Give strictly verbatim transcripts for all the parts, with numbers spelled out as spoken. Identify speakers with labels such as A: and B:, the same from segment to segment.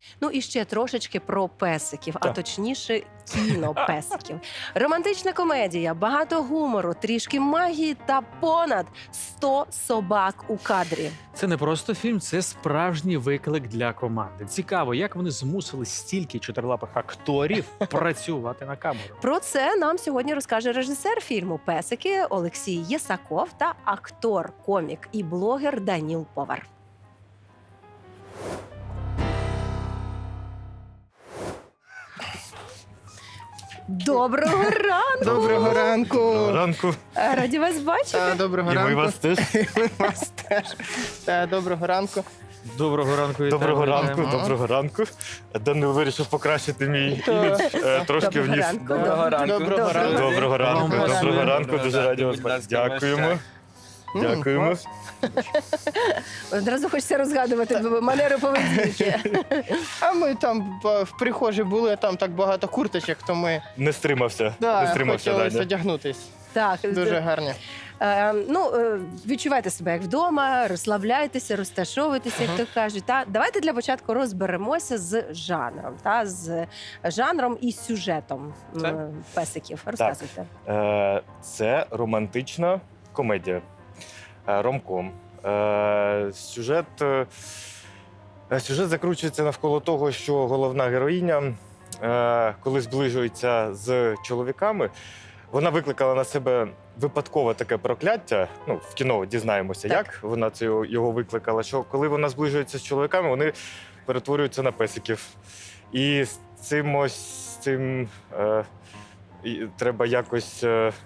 A: Ну і ще трошечки про песиків, а
B: Так.
A: точніше кіно песиків. Романтична комедія, багато гумору, трішки магії та понад сто собак у кадрі.
C: Це не просто фільм, це справжній виклик для команди. Цікаво, як вони змусили стільки чотирилапих акторів працювати на камеру.
A: Про це нам сьогодні розкаже режисер фільму «Песики» Олексій Єсаков та актор, комік і блогер Даніл Повар. Доброго ранку!
D: Доброго ранку!
B: Доброго ранку.
A: Е, Раді вас бачити.
D: Та, доброго
B: І ми
D: ранку.
B: вас теж.
D: І ми вас теж. Та, доброго ранку.
C: Доброго ранку, вітаю.
B: Доброго ранку,
C: вітаємо.
B: доброго ранку. Данил вирішив покращити мій
D: Так.
B: імідж е, трошки
A: Доброго
B: вниз.
A: ранку.
D: Доброго ранку. Доброго ранку.
B: Доброго ранку,
C: Доброго
B: доброго
C: ранку.
B: ранку. Дуже раді вас бачити. Дякуємо.
D: М,
B: Дякуємо.
D: клас.
A: Одразу хочеться розгадувати манери поведінки.
D: А ми там в в прихожій були, там так багато курточок, то ми
B: Не стримався. Не
D: да,
B: стримався,
D: хотіли
B: Даня.
D: одягнутись.
A: Так,
D: Дуже гарні.
A: Е, ну, е, відчувайте себе як вдома, розслабляйтеся, розташовуйтеся, як то кажуть. Та давайте для початку розберемося з жанром, та з жанром і сюжетом м,
B: Так.
A: песиків. Розказуйте.
B: Е, Це романтична комедія. Е, Ромком. Е, Сюжет, е, сюжет закручується навколо того, що головна героїня, е, коли зближується з чоловіками, вона викликала на себе випадкове таке прокляття. Ну, в кіно дізнаємося,
A: Так.
B: як вона це його- його викликала. Що коли вона зближується з чоловіками, вони перетворюються на песиків. І з цим ось цим. Е, і треба якось е, е,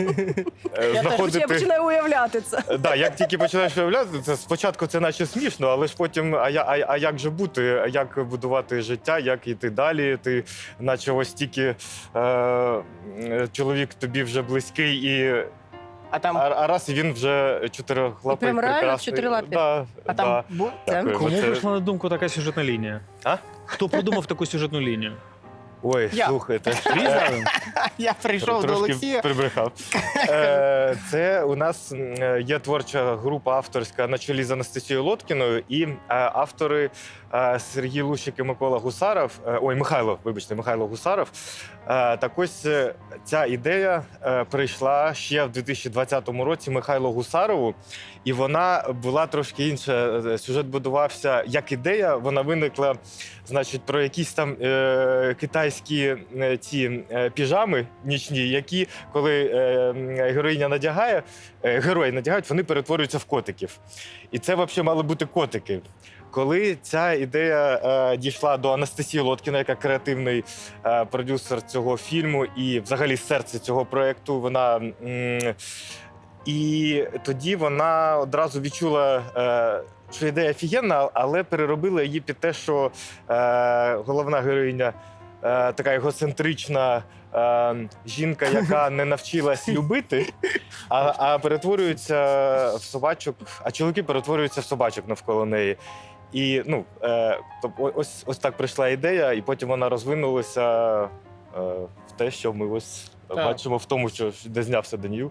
A: Я теж
B: знаходити.
A: я починаю уявляти це.
B: Е, Да, як тільки починаєш уявляти, це спочатку це наче смішно, але ж потім, а, я, а, а як же бути, а як будувати життя, як йти далі? Ти, наче ось тільки е, е, чоловік тобі вже близький, і
D: А там,
B: а, а раз і він вже чотирилапий,
A: І прям реально
B: прекрасний.
A: чотирилапий?
B: Да,
D: а там
B: да.
D: бу-
B: Дякую.
C: Кому
B: Це-
C: прийшла на думку така сюжетна лінія?
B: А?
C: Хто придумав таку сюжетну лінію?
B: Ой,
D: Я.
B: слухайте.
C: Різали?
D: я прийшов до
B: Трошки
D: Олексія.
B: прибрехав. Е, Це у нас е, є творча група авторська на чолі з Анастасією Лоткіною, і е, автори е, Сергій Лущик і Микола Гусаров. е, Ой, Михайло, вибачте, Михайло Гусаров. Е, Так ось е, ця ідея е, прийшла ще в дві тисячі двадцятому році Михайлу Гусарову, і вона була трошки інша. Е, Сюжет будувався як ідея, вона виникла, значить, про якісь там е, китайські е, ці е, піжами нічні, які, коли е, м, героїня надягає, е, герої надягають, вони перетворюються в котиків. І це взагалі мали бути котики. Коли ця ідея е, дійшла до Анастасії Лоткіна, яка креативний е, продюсер цього фільму і взагалі серце цього проєкту, вона. М, і тоді вона одразу відчула, е, що ідея офігенна, але переробила її під те, що е, головна героїня е, така егоцентрична е, жінка, яка не навчилась любити, а, а перетворюється в собачок, а чоловіки перетворюються в собачок навколо неї. І ну, е, тобто ось, ось так прийшла ідея, і потім вона розвинулася е, в те, що ми ось
D: Так.
B: бачимо в тому, що де знявся Даніл.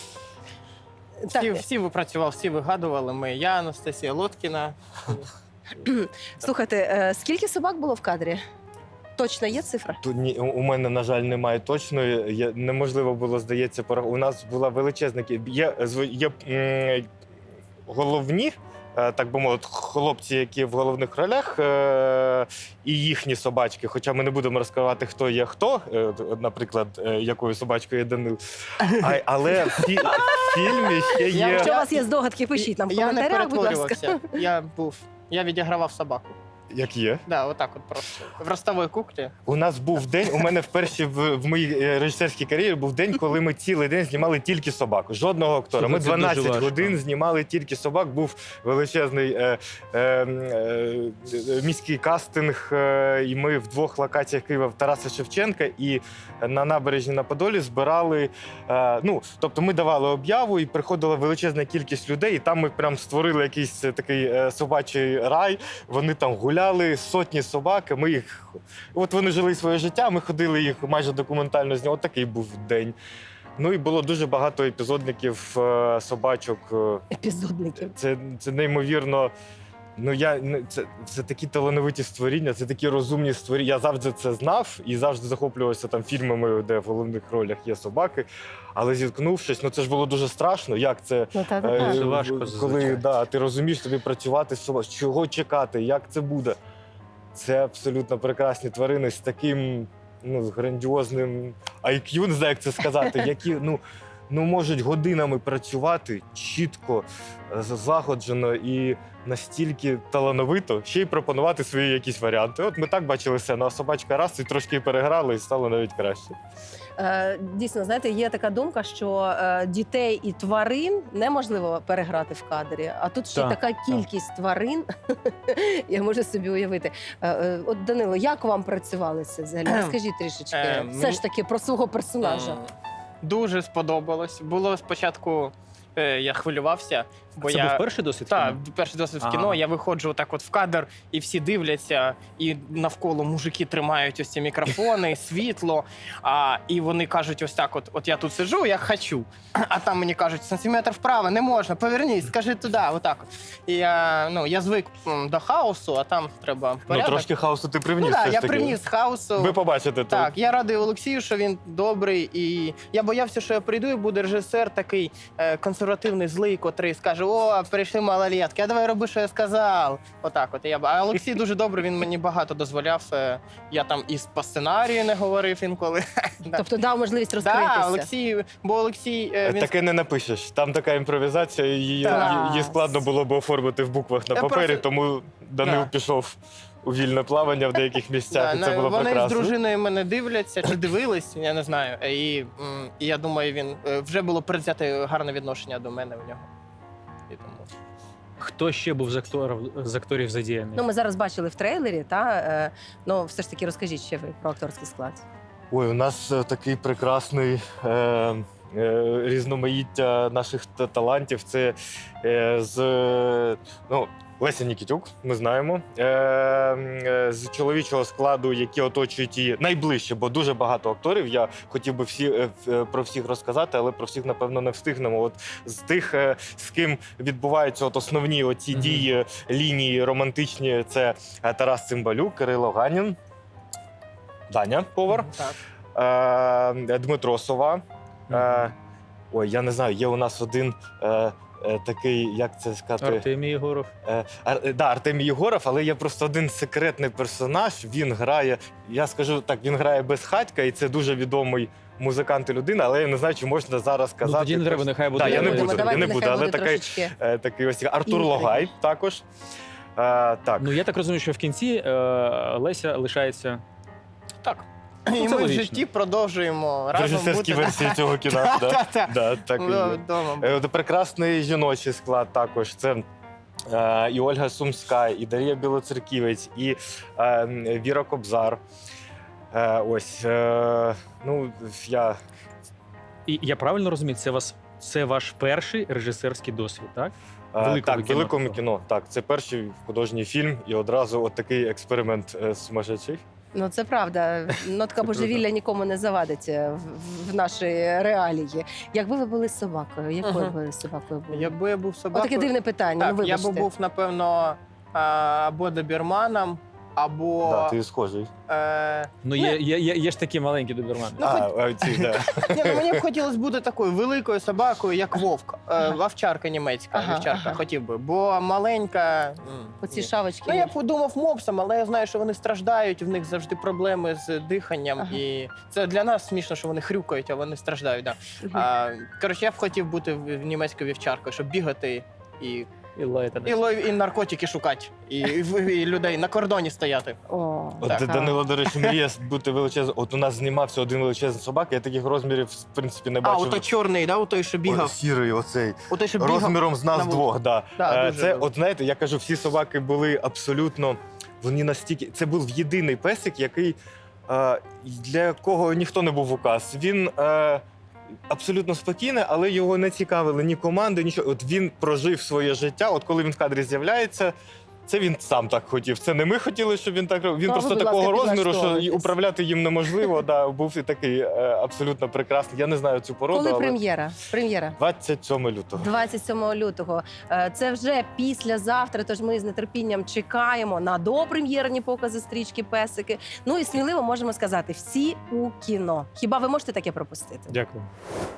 A: Так,
D: Всі, всі випрацювали, всі вигадували. Ми, я, Анастасія Лоткіна.
A: слухайте, е, скільки собак було в кадрі? Точно є цифра?
B: Тут ні, у у мене, на жаль, немає точної. Я, неможливо було, здається, пора. У нас була величезна кі- Є, зв- є м, головні, е, так би мовити, хлопці, які в головних ролях, е, і їхні собачки. Хоча ми не будемо розкривати, хто є хто, е, от, наприклад, е, якою собачкою є Данил. А, але в, фі, в фільмі ще
D: Я
B: є.
A: Якщо у вас є здогадки, пишіть нам в
D: Я не
A: коментарях, будь ласка.
D: перетворювався. Я був. Я відігравав собаку.
B: Як є.
D: Да, отак от просто. В ростовій куклі.
B: У нас був день, у мене вперше в, в моїй е, режисерській кар'єрі був день, коли ми цілий день знімали тільки собак. Жодного актора. Ми
C: Слухай, це дуже
B: дванадцять
C: важко.
B: годин знімали тільки собак. Був величезний е, е, е, міський кастинг, е, і ми в двох локаціях Києва в Тараса Шевченка і на набережні на Подолі збирали. Е, ну, тобто ми давали об'яву, і приходила величезна кількість людей, і там ми прям створили якийсь е, такий е, собачий рай. Вони там гуляли, сотні собак. Ми їх, от вони жили своє життя. Ми ходили їх майже документально зняли. От такий був день. Ну і було дуже багато епізодників е, собачок. Е,
A: Епізодників.
B: Це, це неймовірно Ну, я ну, це, це такі талановиті створіння, це такі розумні створіння. Я завжди це знав і завжди захоплювався там фільмами, де в головних ролях є собаки. Але зіткнувшись, ну це ж було дуже страшно. Як це
A: Ну, та, та,
B: е,
A: та.
C: Дуже важко,
B: коли
C: зазвичай.
B: да, ти розумієш тобі працювати з собою, чого чекати, як це буде. Це абсолютно прекрасні тварини з таким ну, з грандіозним ай к'ю, не знаю, як це сказати, які ну, ну, можуть годинами працювати чітко, е, злагоджено і настільки талановито, ще й пропонувати свої якісь варіанти. От ми так бачили все, ну, а собачка раз і трошки переграли, і стало навіть краще.
A: Е, Дійсно, знаєте, є така думка, що е, дітей і тварин неможливо переграти в кадрі. А тут ще
C: Так,
A: така кількість тварин, я можу собі уявити. Е, е, От, Данило, як вам працювалося взагалі? Розкажіть трішечки.
D: Е,
A: Все
D: мені-
A: ж таки про свого персонажа.
D: М, Дуже сподобалось. Було спочатку, е, я хвилювався, бо
C: Це
D: я
C: був перший досвід?
D: Так,
C: кіно?
D: перший досвід в
C: Ага.
D: кіно. Я виходжу так от в кадр, і всі дивляться, і навколо мужики тримають ось ці мікрофони, світло. А, і вони кажуть ось так: от, от я тут сиджу, я хочу. А там мені кажуть, сантиметр вправо, не можна, повернись, скажи туди, отак. От. І я, ну, я звик м, до хаосу, а там треба
B: Ну,
D: порядок.
B: трошки хаосу ти привніс.
D: Ну, так,
B: все ж
D: я
B: таки.
D: привніс хаосу.
B: Ви побачите
D: Так,
B: тут.
D: я радий Олексію, що він добрий. І я боявся, що я прийду і буде режисер такий е, консервативний, злий, котрий скаже: о, прийшли малолетки, а давай роби, що я сказав. Отак от. Я... А Олексій дуже добрий, він мені багато дозволяв. Е, я там і по сценарію не говорив інколи. Да.
A: Тобто дав можливість розкритися.
D: Так, Олексій, бо Олексій, е, він
B: Таке не напишеш. Там така імпровізація, її,
D: Так.
B: її складно було б оформити в буквах на
D: Я
B: папері,
D: просто-
B: тому Данил
D: Да.
B: пішов у вільне плавання в деяких місцях,
D: Да,
B: і це
D: на-
B: було
D: вони
B: прекрасно.
D: з дружиною мене дивляться чи дивились, я не знаю. І, м, і я думаю, він е, вже було предвзяте гарне відношення до мене в нього. І тому.
C: Хто ще був з акторів, з акторів задіяний?
A: Ну, ми зараз бачили в трейлері, та е, ну все ж таки розкажіть ще ви про акторський склад.
B: Ой, у нас е, такий прекрасний е, е, різноманіття наших та- талантів. Це е, з е, ну, Леся Нікітюк, ми знаємо. Е, е, з чоловічого складу, які оточують її найближче, бо дуже багато акторів. Я хотів би всі, е, в- про всіх розказати, але про всіх, напевно, не встигнемо. От з тих, е, з ким відбуваються от основні оці
C: Мгм.
B: дії, лінії романтичні, це е, Тарас Цимбалюк, Кирило Ганін, Даня Повар.
D: Так.
B: Е, Дмитро Сова. Е, ой, я не знаю, є у нас один е, е, такий, як це сказати,
C: Артемій Єгоров.
B: е, Ар, е, да, Артемій Єгоров, але є просто один секретний персонаж. Він грає, я скажу так, він грає безхатька, і це дуже відомий музикант і людина, але я не знаю, чи можна зараз
C: Ну,
B: сказати.
C: тоді не треба, нехай буде.
B: Да, я не
A: Будемо,
B: буду,
A: давайте
B: я не буду,
A: нехай
B: але
A: буде
B: такий-
A: трошечки.
B: Е, такий ось Артур
A: Інтриги.
B: Логай також. Е, так.
C: Ну, я так розумію, що в кінці е, Леся лишається.
D: Так.
C: Ну,
D: І
C: це
D: ми в
C: логічно.
D: житті продовжуємо
B: В
D: разом
B: режисерській
D: бути.
B: версії цього кіна. да.
D: Та-та-та.
B: Да, так і є.
D: Вдома.
B: Е, от Прекрасний жіночий склад також. Це е, і Ольга Сумська, і Дар'я Білоцерківець, і е, Віра Кобзар. Е, ось, е, ну, я
C: І я правильно розумію, це вас це ваш перший режисерський досвід, так?
B: е,
C: Великого
B: так,
C: кіно
B: великому
C: такого.
B: кіно. Так, це перший художній фільм, і одразу от такий експеримент е, сумасшедший.
A: Ну це правда. Нотка божевілля нікому не завадить е, в, в наші реалії. Якби ви були собакою, якою
D: Ага.
A: ви собакою були?
D: Якби я був собакою...
A: Отаке дивне питання.
D: Так,
A: ну,
D: я
A: вибачте.
D: би був, напевно, а, або добірманом, або...
B: Да, ти схожий.
D: е,
C: Ну, є, є, є, є ж такі маленькі добермани.
D: Ну,
B: а, а, ці, да.
D: Ні, ну, мені б хотілося бути такою великою собакою, як вовк. Е,
A: Ага.
D: Вовчарка німецька,
A: Ага,
D: вівчарка,
A: ага.
D: хотів би. Бо маленька... м,
A: Оці
D: ні.
A: шавочки.
D: Ну, я подумав мопсом, але я знаю, що вони страждають, в них завжди проблеми з диханням.
A: Ага.
D: І це для нас смішно, що вони хрюкають, а вони страждають. Да.
A: Мгм.
D: А, коротше, я б хотів бути в- в німецькою вівчаркою, щоб бігати і,
C: І лаєте.
D: і, лов- і наркотики шукати, і, і, і людей на кордоні стояти.
A: О,
B: От
A: так.
B: Данило, до речі, мріє бути величезним. От у нас знімався один величезний собак, я таких розмірів, в принципі, не
D: А,
B: бачив.
D: ото чорний, да, ото, що
B: О,
D: бігав.
B: сірий оцей.
D: Ото, що бігав.
B: Розміром з нас
D: на вулиці.
B: двох, да.
D: Да,
B: Е,
D: дуже
B: це,
D: дуже.
B: от знаєте, я кажу, всі собаки були абсолютно. Вони настільки. Це був єдиний песик, який е, для якого ніхто не був указ. Він е, абсолютно спокійний, але його не цікавили ні команди, нічого. От він прожив своє життя. От коли він в кадрі з'являється, це він сам так хотів. Це не ми хотіли, щоб він так робив. Він
A: Ну, а ви,
B: просто
A: будь
B: такого
A: ласка,
B: розміру, що і
A: підлаштовуйтесь.
B: управляти їм неможливо. Да, був і такий е, абсолютно прекрасний. Я не знаю цю породу,
A: Коли
B: але
A: прем'єра? Прем'єра.
B: двадцять сьомого лютого.
A: двадцять сьомого лютого. Е, Це вже післязавтра, тож ми з нетерпінням чекаємо на допрем'єрні покази стрічки Песики. Ну і сміливо можемо сказати, всі у кіно. Хіба ви можете таке пропустити?
C: Дякую.